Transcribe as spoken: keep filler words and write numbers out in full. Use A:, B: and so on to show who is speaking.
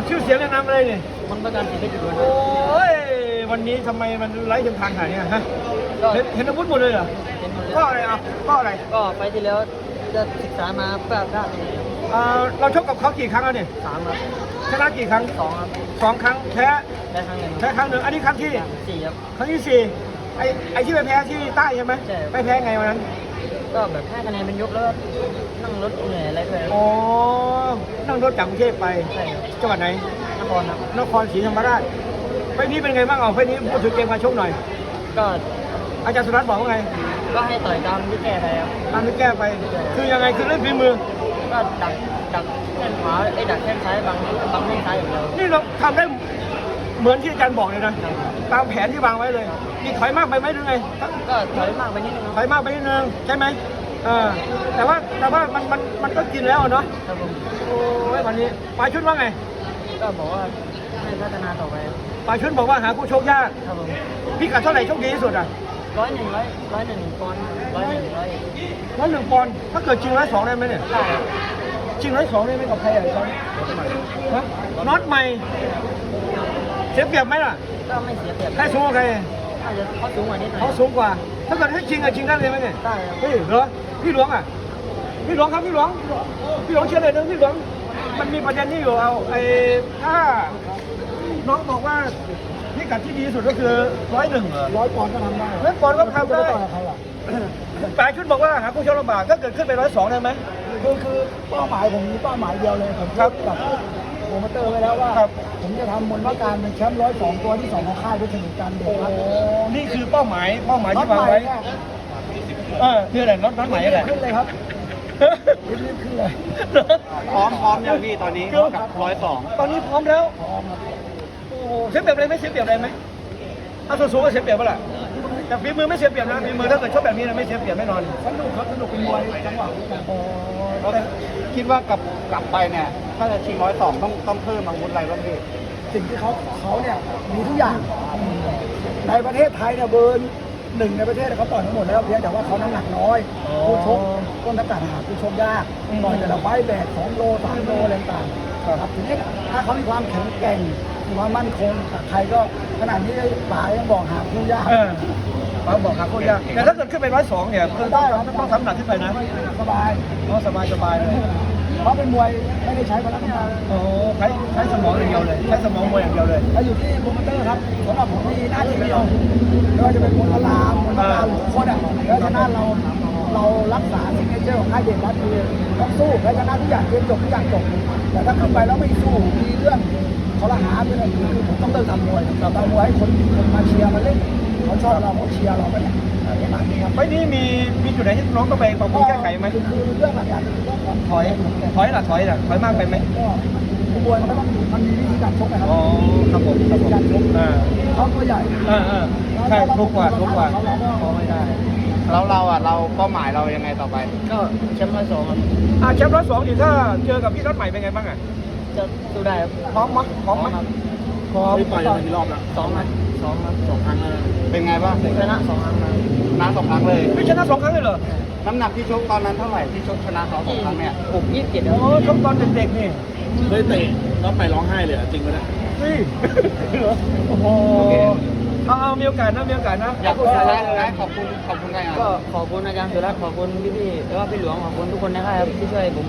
A: ชื่อเสียงแนะนำอะไรนี่
B: มันประกันชีวิตอยู่นะ
A: โอ้ยวันนี้ทำไมมันไร้เทียมทางขนาดเนี้ยฮะ
B: ก็
A: เห็นเห็นอาวุธหมดเลยเหรอ
B: เป็นหมดเลย
A: ก็อะไรอ่ะก็อะไร
B: ก็ไปที่แล้วจะศึกษามาเพื่อได้
A: เอ่อเราชกกับเขากี่ครั้งแล้วเนี่ย
B: สามครับ
A: ชนะกี่ครั้ง
B: สองครับ
A: สองครั้งแพ้
B: ได้ครั้งหนึ่ง
A: แพ้ครั้งหนึ่งอันนี้ครั้งที่
B: สี่ครับ
A: ครั้งที่สี่ไอ้ไอ้ที่ไปแพ้ที่ใต้ใช่ไหม
B: ใช่
A: ไปแพ้ไงวันนั้น
B: ก็แบบให้คะแนนเป็นยกแล้วก็นั่งรถเหนื่อยอะไรด้วย
A: อ๋อนั่งรถจากกรุงเทพไป
B: ใช่ครับ
A: จังหวัดไหน
B: นครครับ
A: นครศรีธรรมราชไฟล์นี้เป็นไงบ้างเอาไฟล์นี้พูดถึงเกมการชกหน่อย
B: ก็
A: อาจารย์สุรัตน์บอกว่าไง
B: ก็ให้ต่อยตามที่แก้ไปครับ
A: ตามที่แก้ไป คือยังไงคือเล่นฝีมือ
B: ก็ดักดักแข้งขวาไอ้ยดักแข้งซ้ายบังบังแข้งซ้ายอย่างเดียว
A: นี่เราทำได้เหมือนที่อาจารย์บอกเลยนะ ตามแผนที่วางไว้เลยนี่ถอยมากไปไหมหรือไง
B: ก็ถอยมากไปนิดนึง
A: ถอยมากไปนิดนึงใช่ไหมเออแต่ว่าแต่ว่ามันมันมันก็กินแล้วอะเนาะ
B: ครับผม
A: โอ้ยวันนี้ปลายชุดว่าไง
B: ก็บอกว่าให้พัฒนาต่อไป
A: ปลายชุดบอกว่าหาคู่ชกยาก
B: ครับผม
A: พี่กัดเท่าไหร่โชคดีที่สุดอ่ะ
B: ร้อยหนึ่งร้อยร้อยหนึ่งปอนด์ร้อยหนึ่งร้อย
A: ร้อยหนึ่งปอนด์ถ้าเกิดจริงร้อยสองได้ไหมเนี่ย
B: ได้ครับ
A: จริงร้อยสองได้ไหมกับใครอ่ะตอนนี้ฮะน็อตใหม่เสียเปรียบไหมล่ะ
B: ก็ไม่เสียเปรียบ
A: ใครสูงกว่าใคร
B: อาจจะเขาสูงกว่านิดหน่อย
A: เขาสูงกว่า ถ้าเกิดให้จริงอะจริงได้เลยไหมเนี่ย
B: ได้ครับ
A: เฮ้ยเหรอพี่หลวงอ่ะพี่หลวงครับพี่หลวงพี่หลวงเชื่อเลยนะพี่หลวงมันมีประเด็นนี้อยู่เอาไอ้ถ้าน้องบอกว่าพิกัดที่ดีที่สุดก็คือร้อยหนึ่ง
C: ร้อยปอนด์ก็ทำได้
A: ร้อยปอนด์ก็ทำได้
C: จะต่อยกับใครล่ะ
A: ปลายชุดบอกว่าหาผู้ชกลำบากถ้าเกิดขึ้นไปร้อยสองได้ไหม
C: คือคือเป้าหมายผมมีเป้าหมายเดียวเลยผม
A: ครับ
C: กับโปรโมเตอร์ไว้แล้วว่า
A: ครับ
C: ผมจะทำมนต์ว่าการเป็นแชมป์ร้อยสองตัวที่สองของค่ายด้วยสนิทกันเด็กครับ
A: นี่คือเป้าหมายเป้าหมาย
C: น็อ
A: ที่
C: ต
A: วาง
C: ใหม่
A: ไว้
C: เนี่ย
A: เออคืออะไรน็อตน็อตใหม่อะไร
C: ขึ้นเลยครับรีบๆขึ้นเลย
A: พร้อมพร้อมอย่างพี่ตอนนี้กับร้อยสองตอนนี้พร้อมแล้ว
C: พร้อมครับ
A: โอ้โหเสียเปรียบอะไรไหมเสียเปรียบอะไรไหมถ้าสูงๆก็เสียเปรียบเปล่าล่ะแต่ฝีมือไม่เสียเปรียบนะฝีมือถ้าเกิดชกแบบนี้นะไม่เสียเปรียบแน่นอน
C: สนุกครับสนุกเป็นมวยจังหวะด้วยกัน
A: แต่คิดว่ากลับกลับไปเนี่ยถ้าจะชิงร้อยสองต้องต้องเพิ่มอาวุธอะไรบ้างพี่
C: สิ่งที่เขาเขาเนี่ยมีทุกอย่างในประเทศไทยเนี่ยเบอร์หนึ่งในประเทศเขาต่อยทั้งหมดแล้วเพียงแต่ว่าเขาน้ำหนักน้อยผู้ชกต้นตะการหาผู้ชกยากต่อยแต่ละไฟต์แบกสองโลสามโลอะไรต่างๆครับทีนี้ถ้าเขามีความแข็งแกร่งมีความมั่นคงใครก็ขนาดนี้ป๋ายังบอกหาผู้ยาก
A: เออเขาบอกครับโคตรยากแต่ถ้าเกิดขึ้นไปร้อยสองเนี่ยคือต้องต้องทำหนักขึ้นไปนะ
C: สบาย
A: อ๋อสบายสบายเลย
C: เพราะเป็นมวยไม่ได้ใช้พละกำลัง
A: โอ้ใช้ใช้สมองอย่างเดียวเลยใช้สมองมวยอย่างเดียวเลย
C: แล้วอยู่ที่โปรโมเตอร์ครับสำหรับผมมีหน้าที่เดียวไม่ว่าจะเป็นมวยพลามมวยพลามหรือโคตรอ่ะแล้วชนะเราเรารักษาสิ่งที่เจ้าของค่ายเด่นรัฐคือต้องสู้และชนะทุกอย่างเรียนจบทุกอย่างจบแต่ถ้าขึ้นไปแล้วไม่สู้มีเรื่องเขาละหาเป็นอะไรคือผมต้องเลิกทำมวยทำมวยให้คนคนมาเชียร์มาเล่นเขาชอบเราเขาเชียร์เราไปเนี่ยประมาณนี้ครับ
A: ไฟล์นี้มีมีจุดไหนที่น้องต้องไปปรับปรุงแก้ไขไหม
C: คือคือเรื่องหลักๆคือเรื่องของ
A: ถอยถอยล่ะถอยล่ะถอยมากไปไหม
C: ก็มวยมันก็ต้องมันมีวิธีการชกนะครับ
A: อ๋อครับผมครับผมอ่า
C: เขาตัวใหญ่
A: อ่าอ่าใช่ทุกกว่าทุกกว่า
C: เราก็
A: พอไม่ได้
D: แล้วเราอ่ะเราเป้าหมายเรายังไงต่อไป
B: ก็แชมป์ร้อยสองครับ
A: อ่าแชมป์ร้อยสองดิถ้าเจอกับพี่รถใหม่เป็นไงบ้างอ่ะ
B: จะสู้ได้ครับ
A: พร้อมมั้ยพร้อมมั้ย
B: ครับ
A: พร้อม
D: ต่อยกันกี่รอบแล้ว
B: สองครับสองครับ
D: สองครั้งแล้วเป็นไงบ้าง
B: ชนะสองครั้งครับ
D: ชนะสองครั้งเลย
A: พี่ชนะสองครั้งเลยเหรอ
D: น้ำหนักที่ชกตอนนั้นเท่าไหร่ที่ชกชนะเขาสองครั้งเนี่ย
B: ผมยี่สิบเจ็ดค
A: โอ้
B: รับ
A: ชกตอนเด็กๆนี่
D: เคยเตะแล้วไปร้องไห้เลยจริงไหมเนี่ย
A: นี่เหรอโอ้โหเอาเอามีโอกาสนะมีโอกาสนะ
D: อยากพูดอะไรนะขอบคุณขอบคุณไงอ่ะ
B: ก็ขอบคุณอาจารย์สุรัตน์ขอบคุณพี่ๆแล้วก็พี่หลวงขอบคุณทุกคนนะครับที่ช่วยผม